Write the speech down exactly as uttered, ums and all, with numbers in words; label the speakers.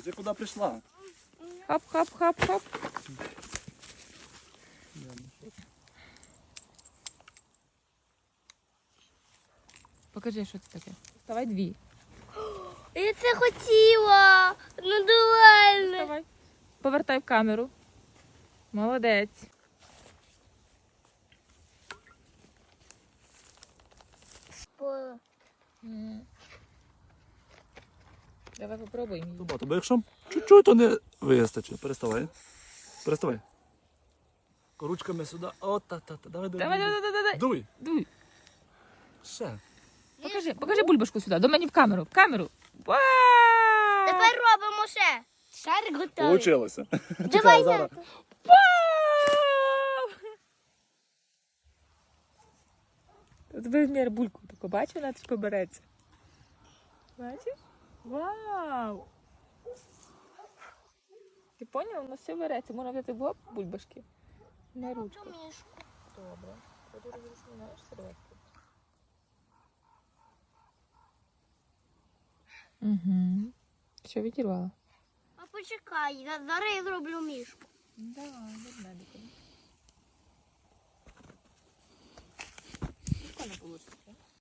Speaker 1: Ти куди прийшла?
Speaker 2: Хап-хап-хап-хап. Покажи, що це таке. Вставай дві.
Speaker 3: Я це хотіла. Ну давай.
Speaker 2: Вставай. Повертай в камеру. Молодець.
Speaker 3: По-
Speaker 2: Давай попробуємо.
Speaker 1: Багато, бо якщо чуть-чуть, то не вистачить. Переставай. Переставай. Ручками сюди. О, та-та-та. Давай, давай.
Speaker 2: Давай, давай, давай, давай.
Speaker 1: Дуй.
Speaker 2: Дуй.
Speaker 1: Ще.
Speaker 2: Покажи, покажи бульбашку сюди, до мене в камеру. В камеру. Вау!
Speaker 3: Тепер робимо ще. Шарик готовий.
Speaker 1: Получилося.
Speaker 3: Давай
Speaker 1: зараз.
Speaker 3: тато.
Speaker 2: Вау! От вимір бульку таку, бачиш, вона тут побереться. Бачиш? Вау! Ти поняв? Воно все береться. Можна взяти в лоб бульбашки. На ручку. Добре. Тоді розрізняєш серветку. Угу. Що, відірвала?
Speaker 3: А почекай, за- зараз я зроблю мішку.
Speaker 2: Давай, від медиком. Прикольно вийшло.